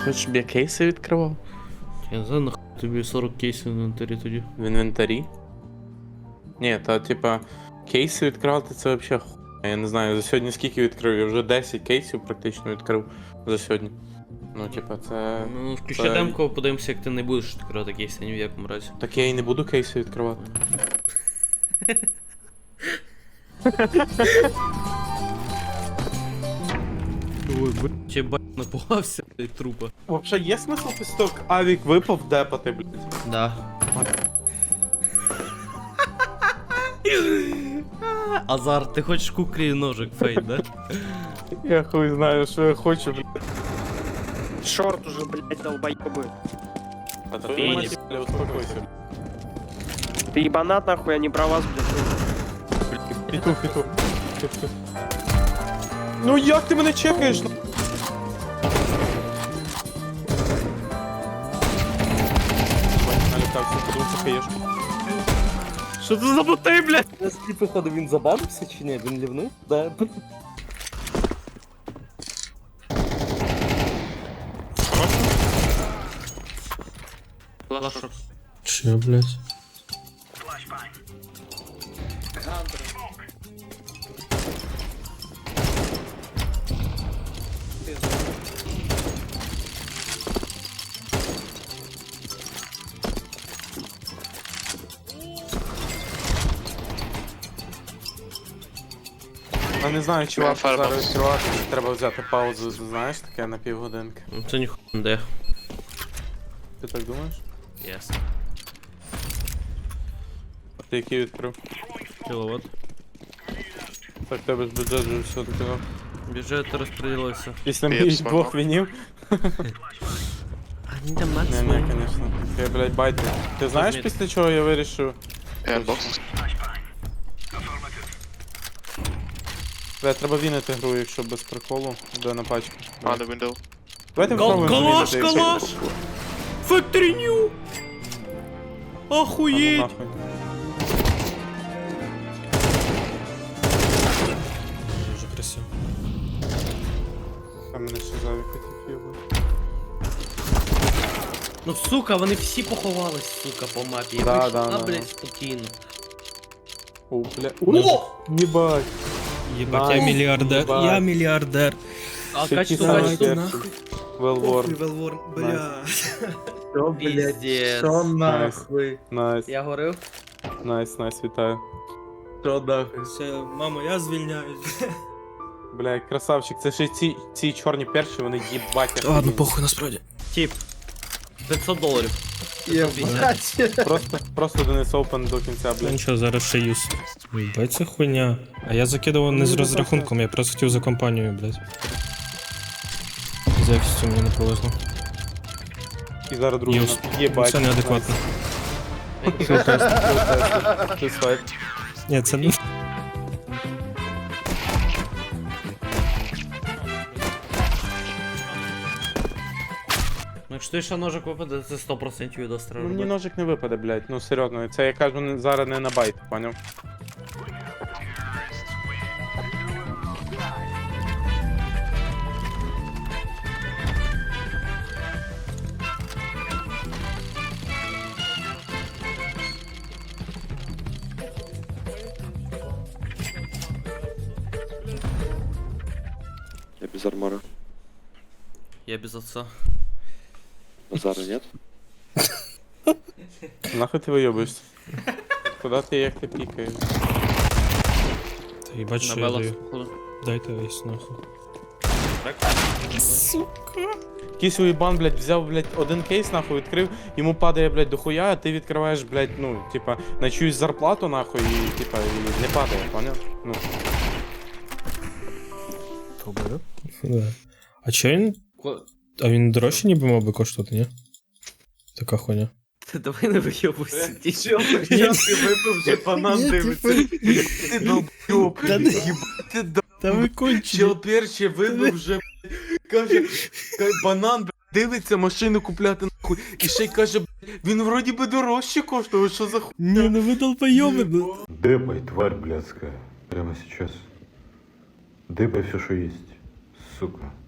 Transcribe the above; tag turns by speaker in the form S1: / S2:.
S1: хочеш, щоб я кейси відкривав?
S2: Я не знаю, нахуй тобі 40 кейсів в інвентарі тоді.
S1: В інвентарі? Ні, та типа кейси відкривати це взагалі хуйня. Я не знаю, за сьогодні скільки відкрив? Я вже 10 кейсів практично відкрив за сьогодні. Ну, типа, це.
S2: Ну, включай демку, подивимося, як ти не будеш відкривати кейси ні в якому разі.
S1: Так я і не буду кейси відкривати.
S2: Ой, блядь, я бать напугався від трупа.
S1: Вообще є смисл після того, як авік випав депати, блядь?
S2: Да. Азар, ти хочеш куклі ножик фейт, да?
S1: Я хуй знаю, що я хочу, блядь.
S3: Шорт уже, блядь, долбоёбы.
S1: А то я мать, бля, успокойся.
S3: Ты ебанат нахуй, а не про вас, блядь.
S1: Петух. Ну як ти мене чекаєш? Налітався, подивися хаєшку.
S2: Що це за боти, блядь?
S4: Я з походу він забанився чи ні? Він лівнув? Да.
S2: Лашок.
S5: Че, блядь?
S1: Я не знаю, чи варто зараз відкривати, чи треба взяти паузу, знаєш, таке на півгодинки.
S2: Ну це ніхуя не де.
S1: Ти так думаєш?
S2: Яс.
S1: А ти який відкрив?
S2: Кіловат.
S1: Так, тебе ж бюджет вже все докинув.
S2: Бюджет розподілився.
S1: Після моїх двох вінів?
S2: А ні, там
S1: Ні, конечно. Я, блядь, байти. Ти знаєш, після чого я вирішив? Бля, треба вінити гру, якщо без приколу. Де на пачку. Давайте попробуємо
S2: Калаш,
S1: вінити,
S2: калаш! Factory New!
S1: Ну,
S2: Охуєть!
S1: нахуй.
S5: Дуже красиво.
S1: Там мене ще завік хотів його.
S2: Ну сука, вони всі поховались, сука, по мапі. Я
S1: Да,
S2: вийшов,
S1: да,
S2: блядь, спокійно.
S1: О, бля. О! Єбать!
S5: Єбать,
S1: Найс.
S5: я мільярдер.
S1: Єбать.
S5: Я мільярдер.
S2: А
S1: Ще
S2: качество,
S1: ті самі
S2: качество.
S1: перші. Well worn.
S5: Велворн, бля.
S4: Що, блядь?
S2: Піздець.
S4: Що нахуй?
S1: Найс.
S2: Я горив?
S1: Найс, вітаю.
S4: Що нахуй?
S5: Все, мамо, я звільняюсь.
S1: Бля, красавчик, це ще ці чорні перші, вони їбать.
S5: Ладно,
S1: охуєнні.
S5: похуй, насправді.
S2: Тип. $500.
S4: Єбать.
S1: Просто Денис Open до кінця,
S5: Ну
S1: блядь.
S5: нічого, зараз ще юз. Єбать, це хуйня. А я закидував не з розрахунком, я просто хотів за компанію, блядь. З якістю мені не повезло.
S1: І зараз другий.
S5: Юз.
S1: Єбать.
S5: Це неадекватно.
S1: Ти свайп.
S5: Ні, це не...
S2: Ну якщо ще ножик випаде, це 100% від остра
S1: Ну мені
S2: робити.
S1: ножик не випаде, блядь. Ну серйозно, це я кажу зараз не на байт, поняв?
S6: Я без армора.
S2: Я без отца.
S6: Базара нет?
S1: Нахуй ти вийобуєшся? Куда ти як ти пікаєш?
S5: Та їбать,
S2: На
S5: що я
S2: белах,
S5: даю.
S2: походу.
S5: Дайте весь нахуй.
S1: Якийсь уїбан, блядь, взяв, блядь, один кейс, нахуй, відкрив, йому падає, блядь, дохуя, а ти відкриваєш, блядь, ну, типа, на чиюсь зарплату, нахуй, і, типа, і не падає, поняв? Ну,
S5: Да. А чо він...
S2: Ко-
S5: А він дорожче ніби мав би коштувати, ні? Така хуйня.
S2: Ти давай не вийобуйся.
S4: Чел, ти випив вже банан дивиться.
S1: ти долб'ёб, ти
S5: Та ви кончені.
S1: чел перший вибив вже, каже, банан, блядь, дивиться, машину купляти, нахуй, і ще й каже, блядь, він вроді би дорожче коштує, що за хуй?
S5: Ні, ну ви долбойоби, ну.
S7: Дыбай, тварь блядская. Прямо сейчас. Дыбай все, что есть. Сука.